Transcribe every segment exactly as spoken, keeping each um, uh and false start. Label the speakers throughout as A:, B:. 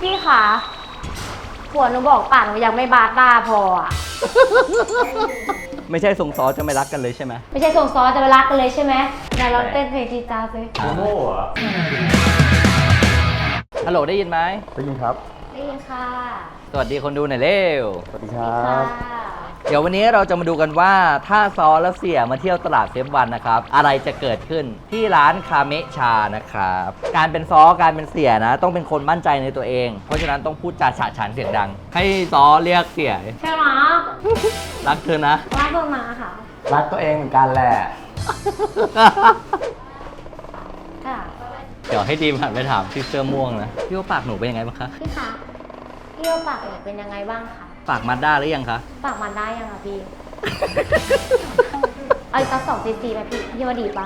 A: พี่คะผัวหนูบอกป่านหนูยังไม่บาต้าพออ่ะ
B: ไม่ใช่ส่งซอจะไม่รักกันเลยใช่ไหม
A: ไม่ใช่ส่งซอจะไปรักกันเลยใช่ไหมเดี๋ยวเราเต้นเพลงจีจ้าสิ
C: โมโม่เหรอ
B: ฮัลโหลได้ยินไหม
C: ได้ยินครับ
A: ได้ยินค่ะ
B: สวัสดีคนดูหน่อยเร็ว
C: สวัสดีครั
A: ค่ะ
C: บ
B: เดี๋ยววันนี้เราจะมาดูกันว่าถ้าซอและเสียมาเที่ยวตลาดเซฟวันนะครับอะไรจะเกิดขึ้นที่ร้านคาเมะชานะครับการเป็นซอการเป็นเสียนะ ต้องเป็นคนมั่นใจในตัวเอง เพราะฉะนั้นต้องพูดจาฉะฉานเสียงดัง ให้ซอเรียกเสีย
A: ใช่ไหม
B: รักเธอนะ
A: รักเบอร์มาค่ะ
C: รักตัวเองเหมือนกันแหละ
A: ค่ะ
B: เดี๋ยวให้ดีมหันไปถามที่เสื้อม่วงนะพี่ว่าปากหนูเป็นยังไงบ้างคะ
A: พี่คะพี่ว่าปากหนูเป็นยังไงบ้างคะ
B: ปากมาด้าหรือยังคะ
A: ปากมันได้ยังคะพี่ เอาอีกสักสองซีซีไหมพี่พี่ว่าดีปะ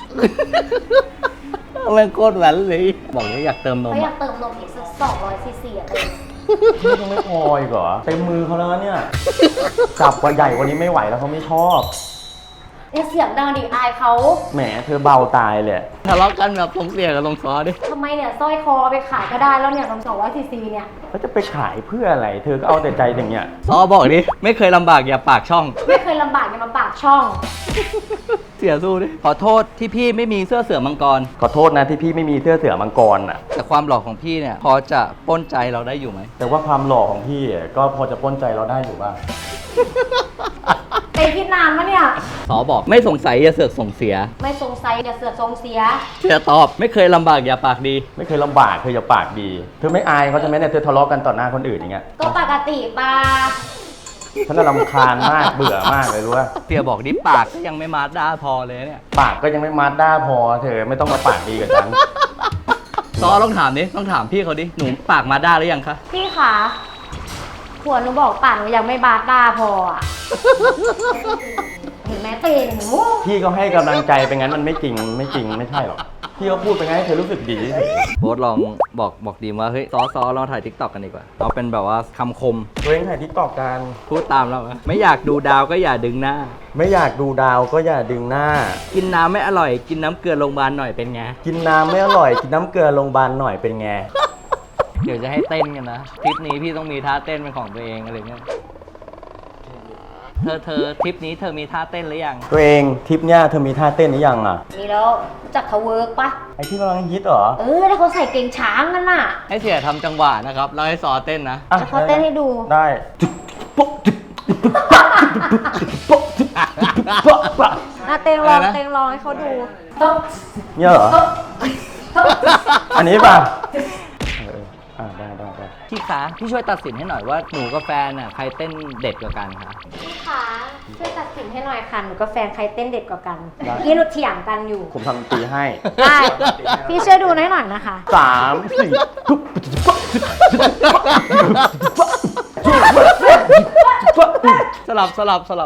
B: แม่งโคตรแหวนเลย บอกว่าอยากเติมนม
A: เขาอยา
B: อะ
A: กเติมนมอีกสักสองร้อยซีซีอะเลย
C: นี่ยังไม่พออีกเหรอเต็มมือเขาแล้วเนี่ย จับกว่าใหญ่กว่านี้ไม่ไหวแล้วเขาไม่ชอบ
A: เนี่ยเสียงดังดิอายเขา
C: แหมเธอเบาตายเลย
B: ทะเลาะกันแบบตรงเสียกับตรงซอดิ
A: ทำไมเนี่ยสร้อยคอไปขายก็ได้แล้วเนี่ยสองร้อยซีซีเนี่ย
C: แล้วจะไปขายเพื่ออะไร เธอก็เอาแต่ใจอย่างเงี้ย
B: ซอบอกดิไม่เคยลำบากอย่าปากช่อง
A: ไม่เคยลำบากอย่ามาปากช่อง
B: เสียสู้ดิ ขอโทษที่พี่ไม่มีเสื้อเสือมังกร
C: ขอโทษนะที่พี่ไม่มีเสื้อเสือมังกรอ่ะ
B: แต่ความหล่อของพี่เนี่ย พอจะปล้นใจเราได้อยู่ไหม
C: แต่ว่าความหล่อของพี่อ่ะก็พอจะปล้นใจเราได้อยู่บ้าง
A: เตยคิดนานมะเนี่ย
B: สอบอกไม่สงสัยอย่าเสือกส่งเสีย
A: ไม่สงสัยอย่าเสือกทรงเสีย
B: เสียตอบไม่เคยลำบากอย่าปากดี
C: ไม่เคยลำบากเธออย่าปากดี เธอไม่อายเขาจะไหมเนี่ยเธอทะเลาะกันต่อหน้าคนอื่นอย่างเงี้ย
A: ก็ปกติปะ
C: ฉันน่ะรำคาญมากเบื่อมากเลยรู้ป่ะ
B: เสียบอกดิปากก็ยังไม่มาด้าพอเลยเนี่ย
C: ปากก็ยังไม่มาด้าพอ เธอไม่ต้องมาปากดีกับฉัน
B: ซอต้องถามดิต้องถามพี่เขาดิ หนูปากมาด้าหรือยังคะ
A: พี่คะผัวหนูบอกป่านหนูยังไม่บาต้าพออ่ะ เห็นไหมเตยหนู
C: พี่ก็ให้กำลังใจไปงั้นมันไม่จริงไม่จริงไม่ใช่หรอกพี่ก็พูดไปงั้นให้เธอรู้สึกดีเฉย
B: โบ๊ทลองบอกบอกดีมว่าเฮ้ยซอซอลองถ่ายทิกตอกกันดีกว่า เอาเป็นแบบว่าคำคม
C: ตัวเองถ่ายทิกตอกกัน
B: พูดตามเราไหมไม่อยากดูดาวก็อย่าดึงหน้า
C: ไม่อยากดูดาวก็อย่าดึงหน้า
B: กินน้ำไม่อร่อย กินน้ำเกลือโรงพยาบาลหน่อยเป็นไง
C: กินน้ำไม่อร่อยกินน้ำเกลือโรงพยาบาลหน่อยเป็นไง
B: เดี๋ยวจะให้เต้นกันนะทริปนี้พี่ต้องมีท่าเต้นเป็นของตัวเองอะไรเงี้ย เธอเธอทริปนี้เธอมีท่าเต้นหรือยัง
C: ตัวเองทริปเนี้ยเธอมีท่าเต้นหรือยังอ่ะ
A: มีแล้วรู้จักเขาเวิร์กปะ
C: ไอที่กำลังฮิตเหรอ
A: เออแล้วเขาใส่เกงช้างกันน่ะ
B: ให้เสียทำจังหวะนะครับแล้วให้ซอเต้นนะ
C: อ่ะ
A: แล้วเขาเต้นให้ดู
C: ได้
A: น่าเต้นลองเต้นลองให้เขาดู
C: เนี่ยเหรอ อันนี้ป่ะเอออ่าได้ได้ได้
B: พี่คะพี่ช่วยตัดสินให้หน่อยว่าหนูกับแฟนน่ะใครเต้นเด็ดกว่ากันคะ
A: พี่คะช่วยตัดสินให้หน่อยค่ะหนูกับแฟนใครเต้นเด็ดกว่ากันเมื่อกี้หนูเถียงกันอยู่
C: ผมทำดนตรีให้
A: ได้พี่ช่วยดูหน่อยหน่อยนะคะ
C: สามสี่
B: สลับสลับสลับ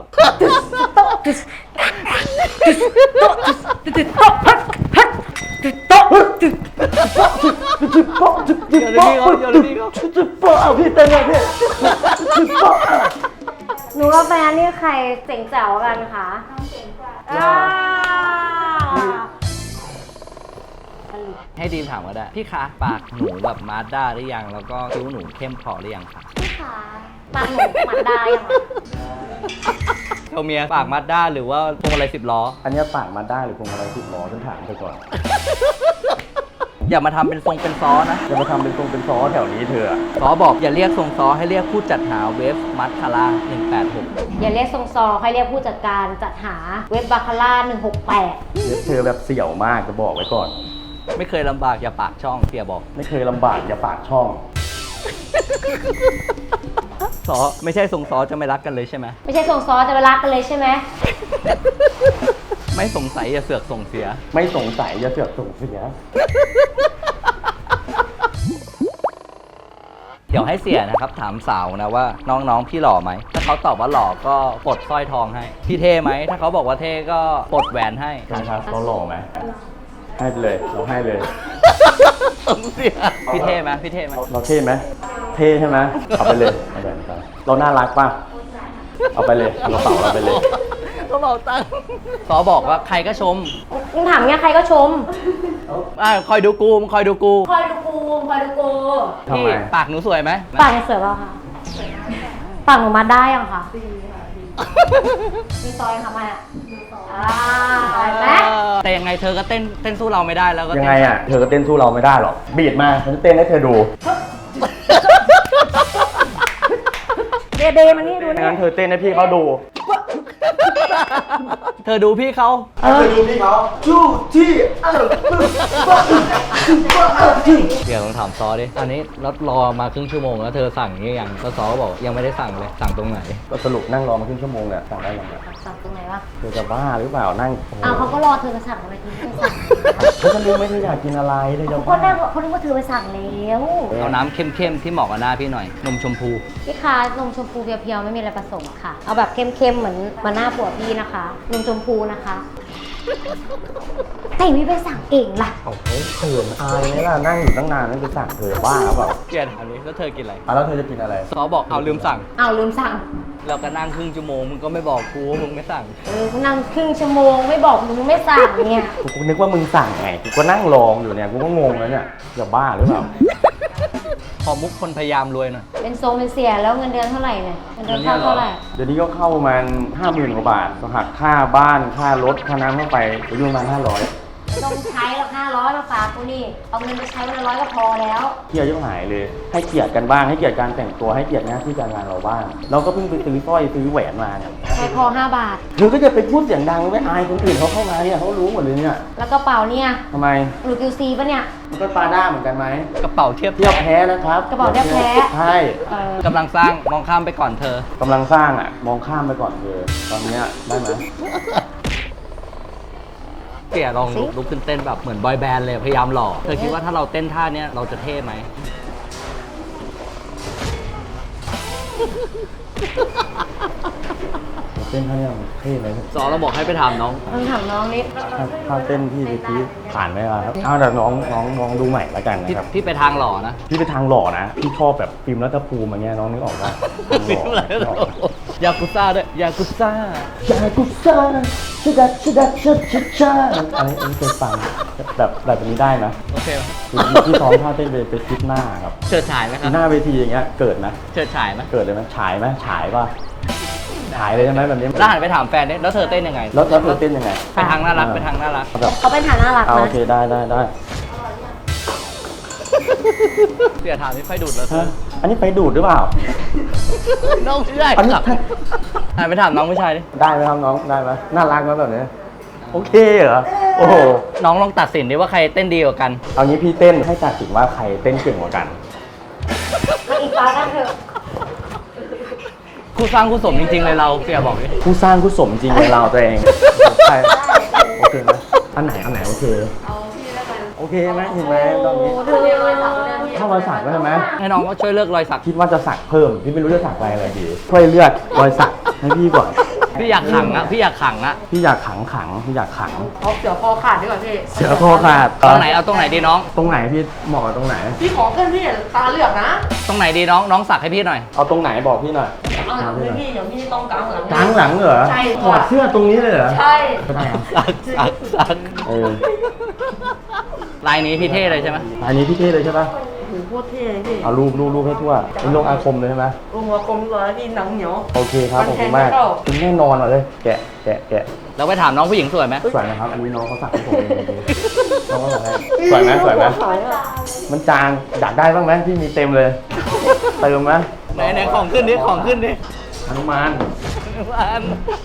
B: เดี๋ยวนี้เขาเดี๋ยวนี้เขา
C: จุดโป๊ะเอาพี่เต้นเลยพี่จุดโป๊ะ
A: หนูกับแฟนนี่ใครเจ๋งแจ๋วกันคะน้องเจ๋งกว่า
B: ให้ดีมถามก็ได้ พี่คะปากหนูแบบมาด้าหรือยัง แล้วก็คิ้วหนูเข้มพอหรือยังคะ
A: พี่คะปากหนูมันได้ยังอะ
B: เทาเมียปากมาด้าหรือว่าพวงมาลัยสิบล้อ
C: อันนี้ปากมาได้หรือพวงมาลัยสิบล้อฉันถามเธอก่อน
B: อย่ามาทำเป็นทรงเป็นซ้อนะ
C: จะมาทำเป็นตรงเป็นซอแถวนี้เธออะ
B: ซอบอกอย่าเรียกทรงซ้อให้เรียกผู้จัดหาเวฟมัดคาร่าหนึ่งแปดหก
A: อย่าเรียกทรงซอให้เรียกผู้จัดการจัดหาเว็บบาคาร่าหนึ่งหกแปด
C: เธอแบบเสี่ยวมากจะบอกไว้ก่อน
B: ไม่เคยลำบากอย่าปากช่องเสียบอก
C: ไม่เคยลำบากอย่าปากช่อง
B: ซอไม่ใช่ทรงซอจะไม่รักกันเลยใช่ไหม
A: ไม่ใช่ทรงซอจะไปรักกันเลยใช่ไหม
B: ไม่สงสัยอย่าเสือกส่งเสีย
C: ไม่สงสัยอย่าเสือกส่งเสีย
B: เดี๋ยวให้เสียนะครับถามสาวนะว่าน้องๆพี่หล่อไหม ถ้าเขาตอบว่าหล่อก็ปลดสร้อยทองให้ พี่เท่ไหม ถ้าเขาบอกว่าเท่ก็ปลดแหวนให้
C: นะครับเราหล่อไหมให้ไปเลยเราให้เลย
B: ส่งเสียพี่เท่ไหมพี่เท่ไหม
C: เราเท่ไหมเท่ใช่ไหมเอาไปเลยเอาไปเลยเราน่ารักป่ะเอาไปเลยเอากระเป๋าเราไปเลย
B: โตระเป๋าตังค์ซอบอกว่าใครก็ชม
A: มึงถามเงี้ยใครก็ชม
B: อ่ะคอยดูกูมึงคอยดูกู
A: คอยดูกูคอยดูกู
C: ทำ
B: พี่
C: ไม
B: ปากหนูสวยไหม
A: ปากหนูสวยเปล่าคะปากหนูมาได้ยังคะมีซอยค่ะมาอ่าเห็นไหม
B: แต่ยังไงเธอก็เต้นเต้นสู้เราไม่ได้แล้วก็
C: ยัง
B: เต้น
C: ไงอ่ะ เธอก็เต้นสู้เราไม่ได้หรอก บีดมาฉันจะเต้นให้เธอดู
A: เดเดมานี่ดูนี่
C: งั้นเธอเต้นให้พี่เขาดู
B: เธอดูพี่เขา
A: เออ
C: เธอดูพี่เขาจู้ที่เออ
B: เดี๋ยวลองถามซอดิอันนี้รถรอมาครึ่งชั่วโมงแล้วเธอสั่งนี่ยังแล้วซอก็บอกยังไม่ได้สั่งเลยสั่งตรงไหน
C: ก็สรุปนั่งรอมาครึ่งชั่วโมงเนี่ยสั่งได้ยังไง
A: สั่งตรงไหนวะ
C: เธอจะบ้าหรือเปล่านั่ง
A: อ้าวเขาก็รอเธอจะสั่งทำไมเธอไม่สั่ง
C: เธอจะรู้ไหมเธออยากกินอะไรเธอจะ
A: คนนั่งเขาคิดว่าเธอไปสั่งแล้ว
B: เอาน้ำเข้มๆที่เหมาะกับหน้าพี่หน่อยนมชมพู
A: พี่คะนมชมพูเพียวๆไม่มีอะไรผสมค่ะ เอาแบบเข้มๆเหมือนมาหน้าผัวพี่นะคะนมชมพูนะคะแต่วิไปสั่งเองล่ะ
C: โอ้โหเขินอายไหมล่ะนั่งอยู่ตั้งนานนั่งจะสั่งเธอบ้าหรือเปล่า
B: เกลียดอันนี้แล้วเธอกินอะไร
C: อ่ะแล้วเธอจะกินอะไร
B: ซอบอกเอาลืมสั่ง
A: เอาลืมสั่ง
B: เราก็นั่งครึ่งชั่วโมงมึงก็ไม่บอกกูว่ามึงไม่สั่ง
A: เออกูนั่งครึ่งชั่วโมงไม่บอกมึงไม่สั่งเนี่ย
C: กูนึกว่ามึงสั่งไงกูก็นั่งรองอยู่เนี่ยกูก็งงแล้วเนี่ยจะบ้าหรือเปล่า
B: พอมุกคนพยายามรวยหน่อย
A: เป็นโซเป็นเสียแล้วเงินเดือนเท่าไหร่เนี่ยเงินเดือนเข้าเท่าไหร่
C: เดี๋ยวนี้ก็เข้าประมาณห้าหมื่นกว่าบาทหักค่าบ้านค่ารถค่าน้ำเข้าไปอยู่ประมาณห้าร้อย
A: ไม่ต้องใช้หรอกห้าร้อยมาฝากกูนี่เอาเงินไปใช้วันละร้อยก็พอแล้ว
C: เกียร์ยุ่งหายเลยให้เกียรติกันบ้างให้เกียรติการแต่งตัวให้เกียรติหน้าที่การงานเราบ้างเราก็เพิ่งไปซื้อสร้อยซื้อแหวนมาเนี่ย
A: ใช้พอห้าบาท
C: เธอก็จะไปพูดเสียงดังไม่อายคนอื่นเขาเข้ามาเนี่ยเขารู้หมดเลยเนี่ย
A: แล้วกระเป๋าเนี่ย
C: ทำไม
A: หรือคิวซีปะเนี่ย
C: มันก็ปาด้าเหมือนกันไหม
B: กระเป๋าเทียบ
C: เทียบแพ้นะครับ
A: กระเป๋าเทียบแพ้
C: ใช่
A: เออก
B: ำลังสร้างมองข้ามไปก่อนเธอ
C: กำลังสร้างอ่ะมองข้ามไปก่อนเธอตอนเนี้ยได้ไหม
B: เตี่ยลองลุกลุกขึ้นเต้นแบบเหมือนบอยแบนด์เลยพยายามหล่อเธอคิดว่าถ้าเราเต้นท่าเนี้ยเราจะเท่ไหม
C: เต้นท่าเนี้ยมันเท่ไหม
B: ซอเราบอกให้ไปถามน้อง
A: ต้องถามน้องนิด
C: ถ้าถ้าเต้นพี่พี่ผ่านไหมล่ะครับเอาแต่น้องน้องน้องดูใหม่แล้วกัน
B: พี่
C: นะครับ
B: พี่ไปทางหล่อนะ
C: พี่ไปทางหล่อนะพี่ชอบแบบฟิล์มรัฐภูมิอย่างเงี้ยน้องนึกออกป่ะทางหล่อนึกออก
B: ยากุซ่าด้วยยากุซ่า
C: อยากกุซ่าชิดัดชิดัดชิดชิดชาอันนี้อันนี้เคยฟังแบบแบบนี้ได้นะ
B: โอเคไหม
C: คือพี่ซ้อมท่าเต้นไปไปคิดหน้าครับ
B: เฉิดฉายไหมครับ
C: หน้าเวทีอย่างเงี้ยเกิดนะ
B: เฉิดฉายไหม
C: เกิดเลยไหมฉายไหมฉายป่ะฉายเลยใช่ไหมแบบนี้
B: แล้วหันไปถามแฟนดิแล้วเธอเต้นยังไง
C: แล้วแล้วเธอเต้นยังไง
B: ไปทางน่ารักไปทางน่ารัก
C: แบบ
A: เขาเป็นฐานน่ารัก
C: เอาโอ
A: นะ
C: เคได้ได้ได้
B: เสียถามที่ไฟดูดแล้วเธ
C: ฮะ
B: อ
C: อันนี้ไปดูดหรือเปล่า
B: น้องไม่ได้
C: อันนี้
B: ครับหันไปถามน้องผู้ชายดิ
C: ได้ไหมครับน้องได้ไหมน่ารักไหมแบบนี้โอเคเหรอโอ้โห
B: น้องลองตัดสินดิว่าใครเต้นดีกว่ากัน
C: เอางี้พี่เต้นให้ตัดสินว่าใครเต้นเก่งกว่ากัน
A: มาอีกตากันเถอะ
B: คู่สร้างคู่สมจริงๆเลยเราเสียบอกดิ
C: ผู้สร้างผู้สมจริงในเราตัวเองใช่โอเคไหมอันไหนอันไหนโอเคโอเคไหมเห็นไหมตอนนี้
A: เธอ
C: ถ้ารอยสักก็ใช่ไหม
B: ให้น้องก็ช่วยเลือกรอยสัก
C: คิดว่าจะสักเพิ่มพี่ไม่รู้จะสักอะไรอะไรดีช่วยเลือกรอยสักให้พี่ก่อน
B: พี่อยากขังอะพี่อยากขังอะ
C: พี่อยากขังขังพี่อยากขัง
D: เอาเสือคอขาดดีกว่าพี่
C: เสือโคขาด
B: ตรงไหนเอาตรงไหนดีน้อง
C: ตรงไหนพี่เหมาะกับตรงไหน
D: พี่ขอขึ้นพี่ตาเหลือกนะ
B: ตรงไหนดีน้องน้องสักให้พี่หน่อย
C: เอาตรงไหนบอกพี่หน่อย
D: เอาหลังเลยพี่เดี๋ยวพี่ต้องกางหลัง
C: กลางหลังเหรอ
D: ใช่
C: ถอดเสื้อตรงนี้เลยเหรอ
D: ใช่
C: ก็ได้ครับ
B: สักสักสัก
C: เออ
B: ลายนี้พี่เท่เลยใช่ไหม
C: อันนี้พี่เท่เลยใช่ปะ
D: โอ้โหโคตรเท่เลยพี่
C: เอารูปรูปรูปให้ทั่วเป็นลงอาคมเลยใช่ไหม
D: ลงหัวกลมก่อนแล้วพี่หนังเหนียว
C: โอเคครับขอบคุณมากคุณแน่นอนเหรอเลย แกะแกะแกะ
B: แล้วไปถามน้องผู้หญิงสวยไหม
C: สวยนะครับ อันนี้น้องเขาสักให้ผมเองจริงๆน้องเขาสักให้สวยไหมสวยไหมมันจางอยากได้บ้างไหมพี่มีเต็มเลยเติมไหม
B: ไหนไหนของขึ้นดิของขึ้นดิ
C: อนุมาน
B: อัน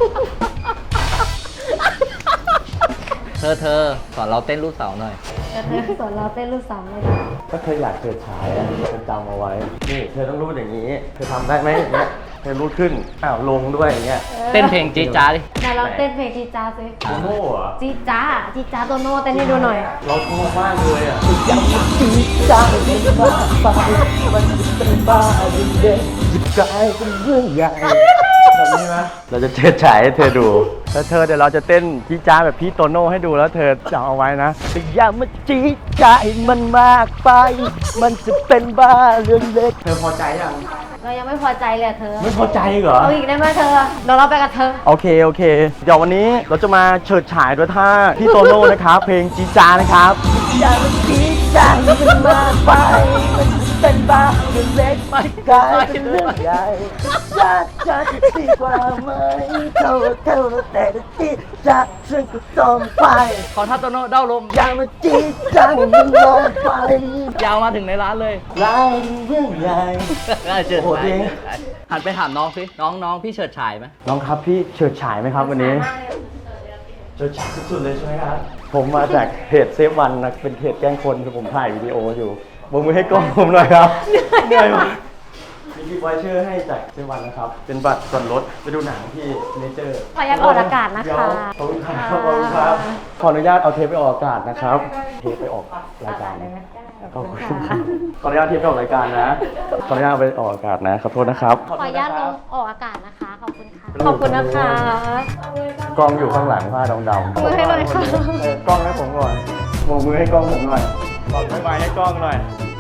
B: เธอเธอสอนเราเต้นลูกสาวหน่อย
A: เธอสอนเราเต้นลูกสาวเลย
C: ก็เธออยากเกิดฉายอ่ะเธอจำเอาไว้ นี่เธอต้องรูดอย่างนี้ เธอทำได้ไหมอย่างเงี้ยเธอรูดขึ้น อ้าวลงด้วยอย่างเงี้ย
B: เต้นเพลงจี๊ดจ้าดิ
A: ไหนเราเต้นเพลงจีจ้าสิ
C: โตโน่เหรอ
A: จีจ้าจีจ้าโตโน่เต้นให้ดูหน่อย
C: เราชอบมากเลยอ่ะอยากจีจ้าเป็นบ้าไปมันเป็นบ้าเด็กจิบกลายเป็นเรื่องใหญ่แบบนี้ไหมเราจะเชิดฉายให้เธอดูแล้วเธอเดี๋ยวเราจะเต้นจีจ้าแบบพี่โตโน่ให้ดูแล้วเธอจำเอาไว้นะแต่อย่ามาจีจ้าให้มันมากไป มันจะเป็นบ้าเรื่องเล็กเธอพอใจยัง
A: เรายังไม่พอใจเลยอะเธอ
C: ไม่พอใจเหรอ
A: เอาอีกได้ไหมเธอเดี๋ยวเราไปกับเธอ
C: โอเค โอเค เดี๋ยววันนี้เราจะมาเฉิดฉายด้วยท่าพี่โตโน่นะครับ เพลงจีจานะครับอย่ามันจีจามันมากไปมันเป็นบ้าเรื่องเล็กไม่กลายเป็นเรื่องใหญ่จะจะดีกว่าไหมเท่าเท่าแต่จีจะฉันก็ต้องไป
B: ขอท่าโตโน่เด้าลม
C: อย่ามาจีจามันลงไป
B: ยาวมาถึงในร้านเลย
C: ลายเรื่องใหญ่
B: เฉิด
C: โอ้โห
B: ฉาย
C: จริง
B: หันไปถามน้องสิน้องน้องพี่เฉิดฉายไหม
C: น้องครับพี่เฉิดฉายไหมครับวันนี้ เฉิดฉายสุดๆเลยใช่ไหมครับ ผมมาจากเพจเซฟวันนะเป็นเพจแกล้งคนคือผมถ่ายวิดีโออยู่บกมือให้กล้องผมหน่อยครับเหนื่อยมากมีกิฟต์ไวเชอร์ให้จากเซฟวันนะครับ เป็นบัตรส่วนลดไปดูหนังที่เนเจอร์
A: ขออนุญาตออกอากาศนะคะ
C: เดี๋ยวขอบคุณครับขอบคุณครับ ขออนุญาตเอาเทปไปออกอากาศนะครับ เทปไปออกรายการขอบคุณครับขออนุญาตเทปไปออกรายการนะ ขออนุญาตเอาไปออกอากาศนะขอโทษนะครับ
A: ขออนุญาตลงออกอากาศนะคะ ขอบคุณค่ะ ขอบคุณนะคะ
C: กล้องอยู่ข้างหลังผ้าดำๆ
A: มือให้หน่อยค่ะ
C: เออกล้องให้ผมก่อนโบกมือให้กล้องผมหน่อยบอกบ๊ายบายให้กล้องหน่อย